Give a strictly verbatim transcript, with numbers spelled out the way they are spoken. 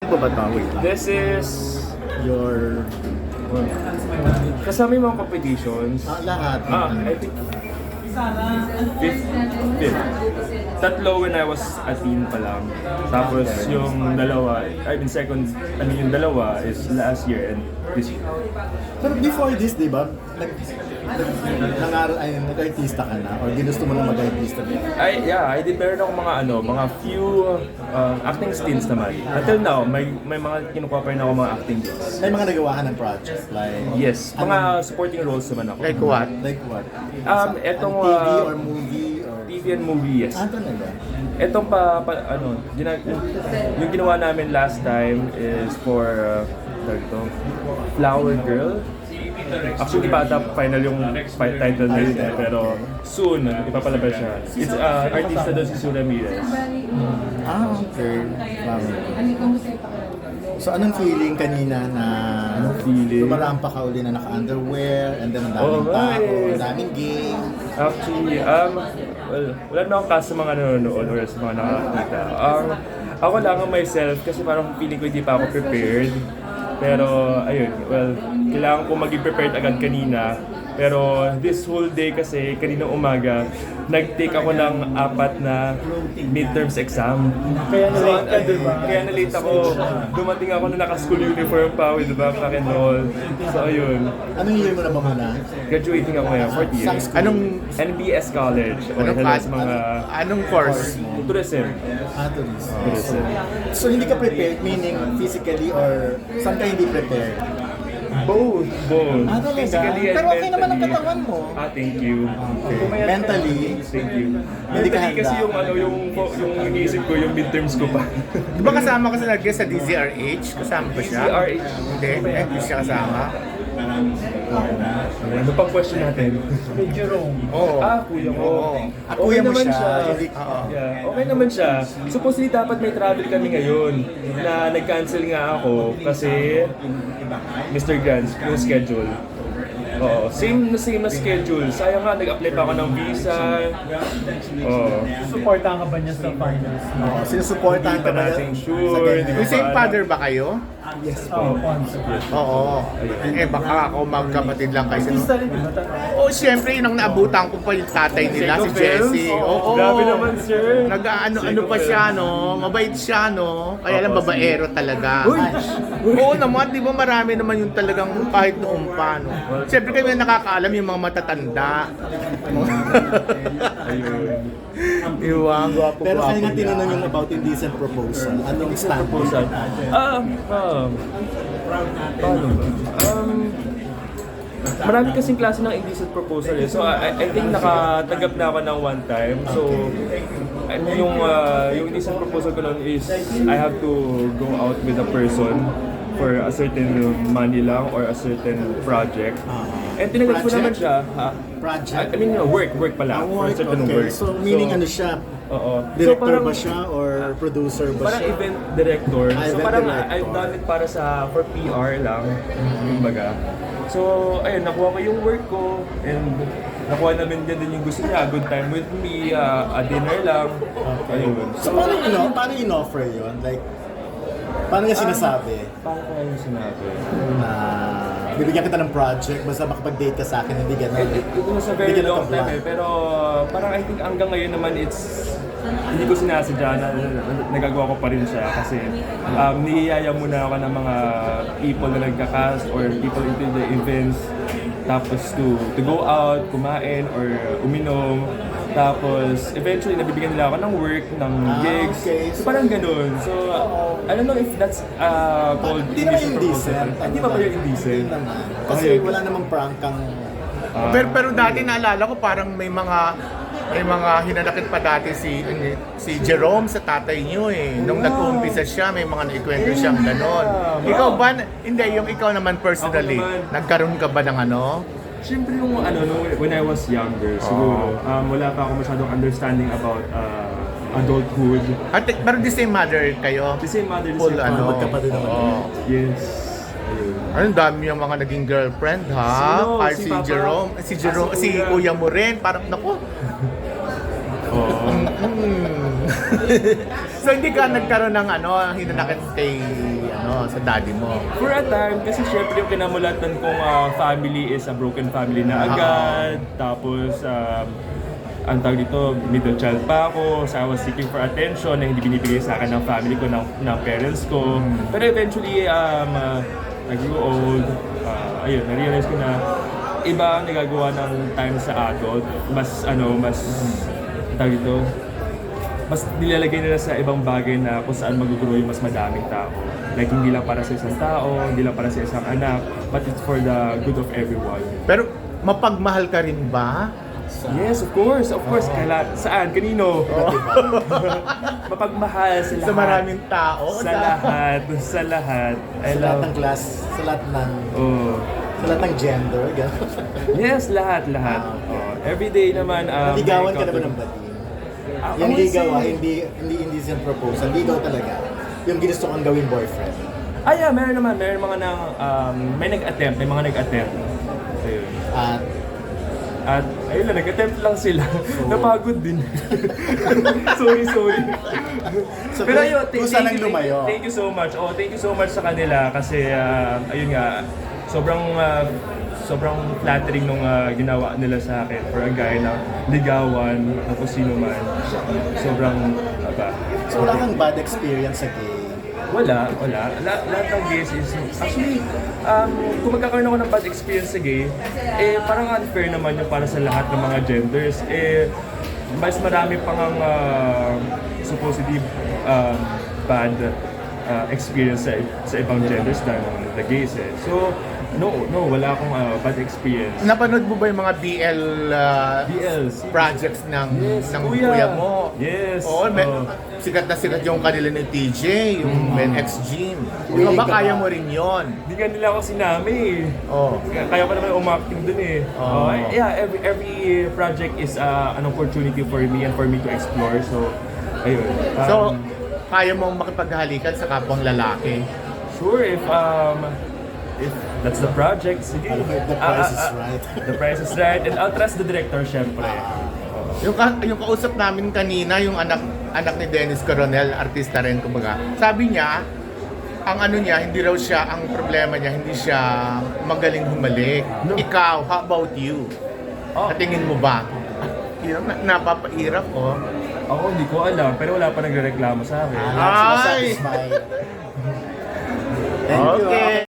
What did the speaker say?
Ano ba ba? Wait lang. This is Your... kasama yung mga competitions. Ah, lahat. Ah, I think fifth, fifth. Tatlo when I was a teen pa lang. Tapos yung dalawa, I mean second, I mean yung dalawa is last year and this year. Pero before this, di ba? Nag... nag- Nangaral, ay, nag-artista ka na? Or ginusto mo na mag-artista ka? I, yeah, I did meron akong mga ano, mga few uh, acting stints naman. Until now, may may mga kinukuha pa rin ako mga acting gigs. May mga nagawa ka ng project? Like... Yes, mga supporting roles naman ako. Like what? Like what? Um, Sa- etong, T V uh, or movie? Or... T V and movie, yes. Ah, talaga? Etong pa, pa ano, gina, yung ginawa namin last time is for uh, tawag ito, Flower Girl. Actually, pa ata final yung fi- title na yun eh, pero soon, ipapalabas siya. It's uh, artista doon si Sue Ramirez. Ah, okay. Flower. So, anong feeling kanina na... Anong feeling? Lumarampa ka uli na naka-underwear, and then ang daming Oo, tao, eh. ang daming gay. Actually, um, well, wala na akong kaso sa mga nanonood or sa mga nakakita. Um, ako lang ang myself kasi parang feeling ko hindi pa ako prepared. Pero, ayun, well, kailangan ko maging prepared agad kanina. Pero this whole day kasi, kanina umaga, nag-take ako ng apat na midterms exam. Kaya na-late ka, diba? Kaya na-late ako. Dumating ako na naka-school uniform pa with backpack and all. So, ayun. Anong year mo na ba muna? Graduating ako ngayon, fourth year. Saan school? Anong N B S College. O, Anong hello class? sa mga anong course? tourism. Ah, tourism. Tourism. So, hindi ka prepared, meaning physically or saan ka hindi prepared? Both. Both. Ah, talaga? Physically and Pero okay naman ang mentally. katawan mo. Ah, thank you. Okay. Mentally, Thank you. Hindi ka Mentally kasi handa. yung ano, yung yung iniisip ko, yung midterms ko pa. Di ba kasama ka sa nag sa D Z R H? Kasama ba siya? D Z R H? Hindi, eh, hindi siya kasama. Ano pang question natin? Oo. Ah, kuya ko. Oo. Ah, kuya mo naman siya. Oo. Yeah, okay naman siya. Supposedly dapat may travel kami ngayon na nag-cancel nga ako kasi Mister Grant, yung schedule. Oo, same na same na schedule. Sayang nga, nag-apply pa ako ng visa. Oo. Supportahan ka ba niya sa finals? Oo, sinusuportahan Hindi ka pa ba natin yan? sure, Sa ganyan? hindi May same father ba kayo? Yes Oo, po. sponsor. Oo. Eh baka ako magkapatid lang kayo. Artista rin, di ba? Oo, siyempre yun ang naabutan ko pa yung tatay nila, si Jessie. Oo. Grabe naman, sir. Nag-ano-ano pa siya, no? Mabait siya, no? Kaya lang Opo, babaero talaga. Uy! Oo naman, di ba marami naman yung talagang kahit noong pa, no? Siyempre kami nakakaalam yung mga matatanda. Ayun. Iwang. Pero kaya nga tinanong yung about indecent proposal. Anong stand mo? Proposal. Um, um, paano ba? Um, marami kasing klase ng indecent proposal eh. So I, I think nakatanggap na ako ng one time. So ano yung uh, yung indecent proposal ko noon is I have to go out with a person for a certain money lang or a certain project. And tinanggap ko naman siya. Ha? Project? I mean, work, work pala. Ah, For a work, certain okay. work. So, meaning ano siya? Oo. Director So, parang- ba siya or producer ba Parang siya? event director. Ah, so event parang director. I've done it para sa for P R lang, kumbaga. So ayun, nakuha ko yung work ko and nakuha namin din din yung gusto niya, good time with me, uh, a dinner lang. Ayun. So, paano in- paano in-offer yun? Like, paano niya sinasabi? Paano ko yung sinabi? Na bibigyan kita ng project, basta makapag-date ka sa akin, hindi It, gano'n. it, it was a very Bigyan ng long time kaplan. eh, pero parang I think hanggang ngayon naman it's hindi ko sinasadya na, na, na nagagawa ko pa rin siya kasi um, niyayaya muna ako ng mga people na nagka-cast or people into the events tapos to to go out, kumain or uminom tapos eventually nabibigyan nila ako ng work, ng Ah, gigs okay. so parang ganun so I don't know if that's uh, called Hindi naman indecent indecent. proposal. Hindi pa ba yung indecent? Hindi naman. Kasi Okay. wala namang prank kang... Ah. Pero pero dati naalala ko parang may mga may mga hinanakit pa dati si si Jerome sa tatay niyo eh. Nung nag-uumpisa siya, may mga naikwento siyang ganon. Ikaw ba, hindi, yung ikaw naman personally, Ako naman. nagkaroon ka ba ng ano? Siyempre yung ano, no, when I was younger, siguro, um, wala pa ako masyadong understanding about uh, adulthood. At, pero the same mother kayo? The same mother, the Full same ano? magkapatid naman. Oo. Yes. Ayun. Ano, dami yung mga naging girlfriend, ha? Sino? Kahit Si si, Papa? Jerome, si Jerome, Ah, si, si Kuya. kuya mo rin, parang, naku. Oo. Mm. So, hindi ka nagkaroon ng ano, hinanakit kay ano, sa daddy mo? For a time, kasi syempre yung kinamulatan kong ah, family is a broken family na agad. Tapos, um, ang tawag dito, middle child pa ako. So I was seeking for attention na hindi binibigay sa akin ng family ko, ng, ng parents ko. Pero eventually, um, uh, I grew old. Uh, ayun, na-realize ko na iba ang nagagawa ng time sa adult. Mas, ano, mas, tawag dito, mas nilalagay nila sa ibang bagay na kung saan mag-grow yung mas madaming tao. Like, hindi lang para sa isang tao, hindi lang para sa isang anak, but it's for the good of everyone. Pero mapagmahal ka rin ba? Yes, of course, of course. Kaila, saan? Kanino? Mapagmahal sa lahat. Sa maraming tao? Sa lahat. Sa lahat. I Sa lahat love... ng class, sa lahat ng, Oh. sa lahat ng gender, gano'n. Yes, lahat, lahat. Ah, okay. Oh. Every day naman. Um, Naligawan ka na ba encounter- ng bading? Ah, Yung ako ligaw, ah, kasi- hindi, hindi, hindi siya proposal. Ligaw talaga. Yung ginusto kang gawin boyfriend. Ah, yeah, meron naman. Meron mga nang, um, may nag-attempt, may mga nag-attempt. Ayun. At At ayun lang, nag-attempt lang sila. Napagod din. sorry, sorry. So, Pero ayun, kung thank, saan thank, ang you, lumayo? thank you so much. Oh, thank you so much sa kanila kasi ah, ayun nga, sobrang ah, sobrang flattering nung ah, ginawa nila sa akin for a guy na ligawan na kung sino man. Sobrang aba. So wala kang bad experience sa gay. Wala, wala. La- lahat ng gays is... Actually, um, kung magkakaroon ako ng bad experience sa gay, eh parang unfair naman yung para sa lahat ng mga genders. Eh, mas marami pang ang uh, supposedly um, bad uh, experience sa, sa ibang genders than the gays eh. So, no, no, wala akong uh, bad experience. Napanood mo ba yung mga B L, uh, B Ls. projects ng, Yes, ng kuya. kuya mo? Yes. Oo, may, Oh. sikat na sikat yung kanila ni T J, yung Men X Gym. Ikaw Willing ba ka kaya ba? mo rin yon? Hindi nga nila ako sinami eh. Oh. Kaya kaya pa naman umacting dun eh. Oo. Oh, yeah, every every project is uh, an opportunity for me and for me to explore. So, ayun. Um, So, kaya mong makipaghalikan sa kapwang lalaki? sure if um if that's the project, sige. The Ah, price ah, is ah, right. The price is right and I'll trust the director syempre. Yung, ka- yung kausap namin kanina, yung anak anak ni Dennis Coronel, artista rin kumbaga. Sabi niya, ang ano niya, hindi raw siya, ang problema niya, hindi siya magaling humalik. Ikaw, how about you? Oh, Sa tingin mo ba? Yun, na, napapairap ko. ako hindi ko alam pero wala pa nagrereklamo sa akin. Ah, Ay! satisfied. Thank you. Okay. ah.